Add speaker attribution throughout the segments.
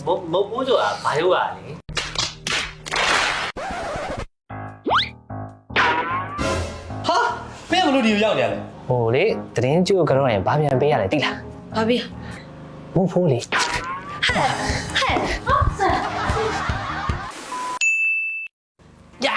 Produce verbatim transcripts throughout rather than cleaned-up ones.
Speaker 1: မမဘူးဆိုတာဘာလို့อ่ะလေဟာမင်းဘလို့ဒီကိုရောက်နေရလဲဟိုလေတရင်ကျိုးကတော့ရင်ဘာပြန်ပေးရလဲသိလား
Speaker 2: ဘာပေး
Speaker 1: မဟုတ်ဘူးလေ
Speaker 2: ဟဲ့ဟဲ့ဟာဆန်ယာ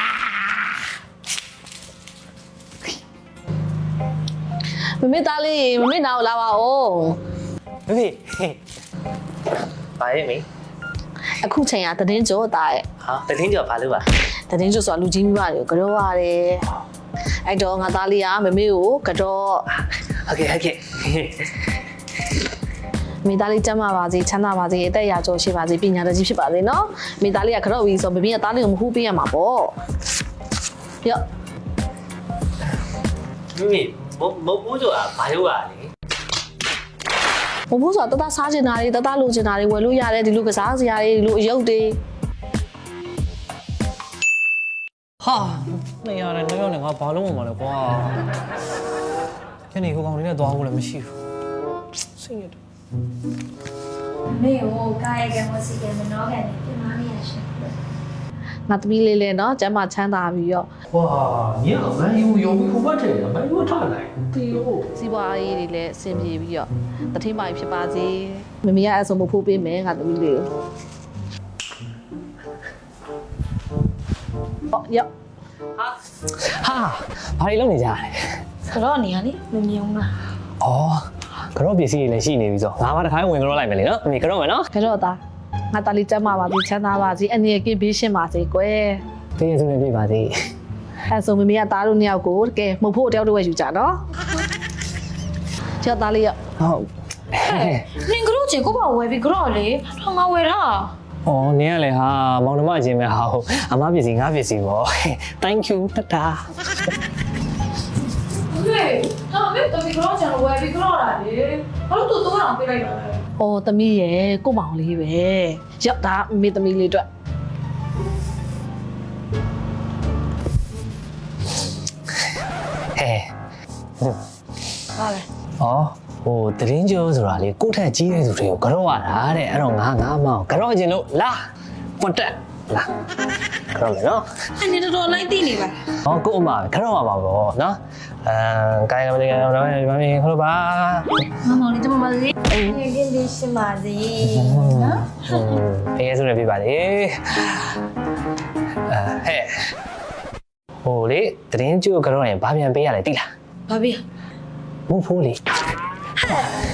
Speaker 2: မမေသားလေးမမေနာကိုလာပါဦး
Speaker 1: မမေဘာရဲ့မင်း
Speaker 2: အခုချိန်ကတည်င်းကျော်တာရဲ့
Speaker 1: ဟာတည်င်းကျော်ဘာလို့ပါ
Speaker 2: တည်င်းကျော်ဆိုတာလူကြီးမိဘတွေကိုကြောရတယ်အဲ့တော့ငါသားလေးကမမေကိုကြော
Speaker 1: โอเคโอเค
Speaker 2: မိသားလေးကျမ်းမာပါစေချမ်းသာပါစေအသက်အရာကျော်ရှိပါစေပညာတတ်ကြီးဖြစ်ပါစေနော်မိသားလေးကကြော့ပြီးဆိုမမေကသားလေးကိုမဟုတ်ပေးရမှာပေါ့ရော့
Speaker 1: မမေမမဘူးဆိုတာဘာလို့อ่ะလေ
Speaker 2: မဘူးဆိုတာတတစားချင်တာတွေတတလိုချင်တာတွေဝယ်လို့ရတယ်ဒီလိုကစားစရာတွေဒီလိုအယုတ်တွေ
Speaker 3: ဟာနေရတယ်နေရတယ်ငါဘာလို့မှမလဲကွာညနေကိုကောင်လေးနဲ့သွားဖို့လည်းမရှိဘူးစိတ်ရတယ်
Speaker 4: မေကိုကာယကံဝစီကံမနောကံနဲ့ပြင်မာနေရရှင်
Speaker 2: ငါသမီးလေးလေးနော်ကျမ်းမာချမ်းသာပြီးတော့
Speaker 1: ဝါညောင်မန်ယူရုံပြီးဟိုဘက်ထဲမန်ယူထားလိုက်တီယို
Speaker 2: စီးပွားရေးတွေလည်းအဆင်ပြေပြီးတော့တထိမိုင်ဖြစ်ပါစေမမေကအဆုံမဖို့ပေးမယ်ငါသမီးလေးကိုဟောရော့
Speaker 1: ဟာဟာဘာတွေလုပ်နေကြလဲ
Speaker 4: ကတော့နေရလေမမြင်ဘူးလား
Speaker 1: ဩကတော့ပစ္စည်းတွေလည်းရှိနေပြီဆိုငါမှတစ်ခါဝင်ကတော့လိုက်မယ်လေနော်အမေကတော့မယ်နော်
Speaker 2: ကတော့သားငါသားလေးကျမ်းမာပါစေချမ်းသာပါစေအနေနဲ့ကင်းဘေးရှင်းပါစေကွယ်
Speaker 1: တကယ်ဆိုနေပြပါစေ
Speaker 2: အဲဆိုမမေကသားတို့နှစ်ယောက်ကိုတကယ်မှုဖို့တယောက်တည်းဝယ်ယူကြနော်ကျော်သားလေးရ
Speaker 1: ဟုတ်
Speaker 4: နင်ကတော့ချင်ကိုပါဝယ်ပြီးကတော့လေထောင်ငါဝယ်တာ
Speaker 1: ဩနင်ကလည်းဟာမောင်နှမချင်းပဲဟာအမပစ္စည်းငါပစ္စည်းပေါ့ thank you တတာ
Speaker 4: ဟေးဟာမေတမီကတော့ချင်ဝယ်ပြီးကတော့တာလေဘာလို့တူတူအောင်ပေးလိုက်တာလဲ
Speaker 2: ဩသမီးရဲ့ကိုမောင်လေးပဲရောက်တာမေသမီးလေးအတွက်
Speaker 1: ဟဲ့
Speaker 2: ဟာလေ
Speaker 1: ဩဟိုတရင်ကျော်ဆိုတာလေကိုယ့်ထက်ကြီးတဲ့သူတွေကိုကြော့ရတာတဲ့အဲ့တော့ငါငါမောင်ကြော့ခြင်းလို့လာပွတ်တက်လာကြော့မယ်နော်
Speaker 4: အနေတော်တော်လိုက်သိနေပါ
Speaker 1: ဟောကို့အမပဲကြော့ရပါဘောနော်အဲကိုင်းကမလေးကတော့ဘာမင်းခေါ်ပါ
Speaker 4: မမောင်လေးကျမပါစေငယ်ချင်းလေးရှင်းပါစေနော်
Speaker 1: ဖေးဆိုနေပြပါလေအဲဟဲ့ဟိုလေတရင်ကျိုးကြော့ရင်ဘာပြန်ပေးရလဲသိလား
Speaker 4: ဘာပေး
Speaker 1: မဟုတ်ဘူးလေ
Speaker 4: ဟဲ့